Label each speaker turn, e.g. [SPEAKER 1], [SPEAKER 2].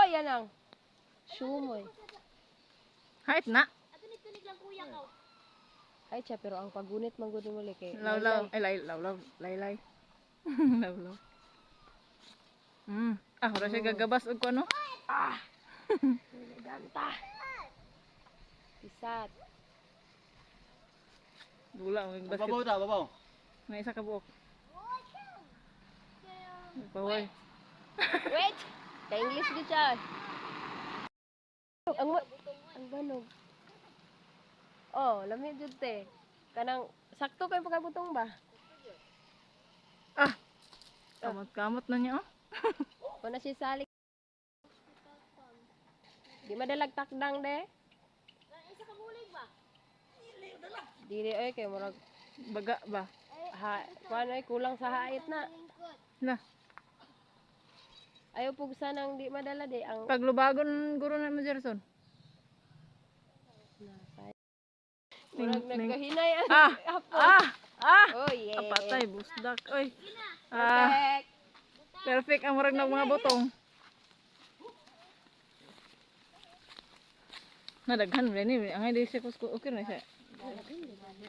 [SPEAKER 1] yan ang. Sumoy.
[SPEAKER 2] Height na.
[SPEAKER 1] Ay, siya, pero ang pagunit manggunit mo kay.
[SPEAKER 2] Law. Ay, law. Laylay. Law. Wala siya gagabas og ano?
[SPEAKER 1] Ganta. Isat.
[SPEAKER 2] Dula ang basket.
[SPEAKER 3] Babaw.
[SPEAKER 2] May isa ka buok. Baway.
[SPEAKER 1] Wait! Ka-English di siya. Ang banog. Oh, lamig jud te. Kanang sakto kay pagkabutong ba?
[SPEAKER 2] Kamot na niya oh.
[SPEAKER 1] O na si salik. Di madalag takdang de. Isa ka bulig ba? Dili ay kay murag
[SPEAKER 2] Baga ba?
[SPEAKER 1] kuan ay kulang sa hait na.
[SPEAKER 2] Na.
[SPEAKER 1] Ayaw pugsa nang di madala de ang
[SPEAKER 2] Paglubagon guro na mo Jerson.
[SPEAKER 1] murag nagkahinay ang hapon. Oh yeah.
[SPEAKER 2] Apatay busdak. Oy.
[SPEAKER 1] Perfect.
[SPEAKER 2] Perfect ang murag ng mga botong. Nadaghan rin ni. Ang hindi siya okay na siya.